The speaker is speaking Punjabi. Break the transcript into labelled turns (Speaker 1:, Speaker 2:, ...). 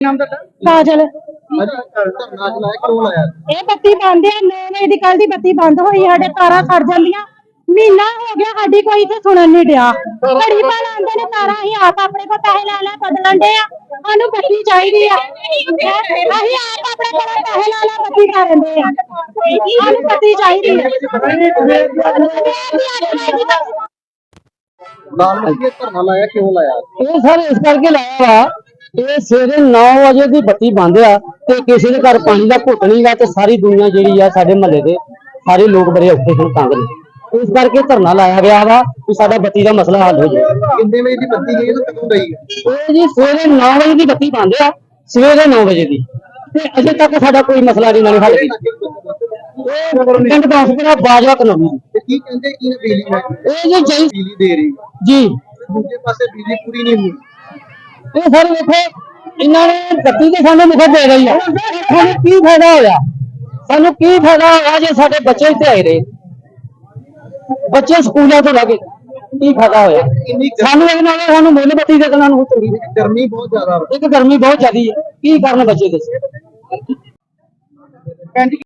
Speaker 1: ਨਾਮ ਦਾ
Speaker 2: ਕਾਜਲ
Speaker 1: ਧਰਨਾ ਚਲਾਇਆ ਕਿਉਂ ਲਾਇਆ?
Speaker 2: ਇਹ ਬੱਤੀ ਬੰਦ ਹੈ 9 ਵਜੇ ਦੀ ਕੱਲ ਦੀ ਬੱਤੀ ਬੰਦ ਹੋਈ ਸਾਡੇ ਤਾਰਾਂ ਸੜ ਜਾਂਦੀਆਂ ਮਹੀਨਾ ਹੋ ਗਿਆ ਸਾਡੀ ਕੋਈ ਇੱਥੇ ਸੁਣਨ ਨਹੀਂ ਡਿਆ ਘੜੀ ਪਾ ਲਾਉਂਦੇ ਨੇ ਤਾਰਾਂ ਅਸੀਂ ਆਪ ਆਪਣੇ ਕੋਲ ਪੈਸੇ ਲੈ ਲੈ ਬਦਲਣ ਦੇ ਆ ਸਾਨੂੰ ਬੱਤੀ ਚਾਹੀਦੀ ਆ ਅਸੀਂ ਆਪ ਆਪਣੇ ਕੋਲ ਪੈਸੇ ਲੈ ਲੈ ਬੱਤੀ ਕਰਨ ਦੇ ਆ ਸਾਨੂੰ ਬੱਤੀ ਚਾਹੀਦੀ ਆ
Speaker 1: ਲਾਲ ਮੱਕੀ ਧਰਨਾ ਲਾਇਆ ਕਿਉਂ ਲਾਇਆ?
Speaker 3: ਇਹ ਸਰ ਇਸ ਕਰਕੇ ਲਾਇਆ ਵਾ ਇਹ ਸਵੇਰੇ 9 ਵਜੇ ਦੀ ਬੱਤੀ ਬੰਦ ਆ ਤੇ ਕਿਸੇ ਦੇ ਘਰ ਪਾਣੀ ਦਾ ਘੁੱਟ ਨਹੀਂ ਗਾ ਤੇ ਸਾਰੀ ਦੁਨੀਆ ਜਿਹੜੀ ਆ ਸਾਡੇ ਮਹੱਲੇ ਦੇ ਸਾਰੇ ਲੋਕ ਬੜੇ ਔਖੇ ਹਨ ਤੰਗ ਨੇ ਇਸ ਕਰਕੇ ਧਰਨਾ ਲਾਇਆ ਗਿਆ ਵਾ ਕਿ ਸਾਡਾ ਬੱਤੀ ਦਾ ਮਸਲਾ ਹੱਲ ਹੋ ਜਾਵੇ।
Speaker 1: ਕਿੰਨੇ ਵਜੇ ਦੀ ਬੱਤੀ ਗਈ ਤੇ ਕਦੋਂ ਗਈ?
Speaker 3: ਇਹ ਜੀ ਸਵੇਰੇ 9 ਵਜੇ ਦੀ ਬੱਤੀ ਬੰਦ ਆ ਸਵੇਰੇ 9 ਵਜੇ ਦੀ ਤੇ ਅਜੇ ਤੱਕ ਸਾਡਾ ਕੋਈ ਮਸਲਾ ਨਹੀਂ ਹੱਲ ਕੀਤਾ। ਇਹ ਪਿੰਡ ਦਾਸਪੁਰਾ ਬਾਜਵਾ ਕਲੋਨੀ
Speaker 1: ਤੇ ਕੀ ਕਹਿੰਦੇ ਕੀ ਬਿਜਲੀ ਹੈ
Speaker 3: ਇਹ ਜੀ ਜਈ
Speaker 1: ਬਿਜਲੀ ਦੇ ਰਹੀ
Speaker 3: ਜੀ
Speaker 1: ਦੂਜੇ ਪਾਸੇ ਬਿਜਲੀ ਪੂਰੀ ਨਹੀਂ ਹੋਈ।
Speaker 3: ਇਹ ਸਰ ਵੇਖੋ ਇਹਨਾਂ ਨੇ ਬੱਤੀ ਤੇ ਸਾਨੂੰ ਮੁਫਤ ਦੇ ਰਹੀ ਆ ਸਾਨੂੰ ਕੀ ਫਾਇਦਾ ਹੋਇਆ ਸਾਨੂੰ ਕੀ ਫਾਇਦਾ ਹੋਇਆ ਜੇ ਸਾਡੇ ਬੱਚੇ ਇੱਥੇ ਆਏ ਰਹੇ ਬੱਚੇ ਸਕੂਲਾਂ ਤੋਂ ਲੱਗੇ ਕੀ ਫਾਇਦਾ ਹੋਇਆ ਸਾਨੂੰ ਇਹ ਨਾਲ ਸਾਨੂੰ ਮੁੱਲ ਬੱਤੀ ਦੇ ਦੇਣਾ ਨੂੰ ਚੰਗੀ
Speaker 1: ਗਰਮੀ ਬਹੁਤ ਜ਼ਿਆਦਾ
Speaker 3: ਇੱਕ ਗਰਮੀ ਬਹੁਤ ਜ਼ਿਆਦੀ ਹੈ ਕੀ ਕਰਨ ਬੱਚੇ ਦੱਸੋ।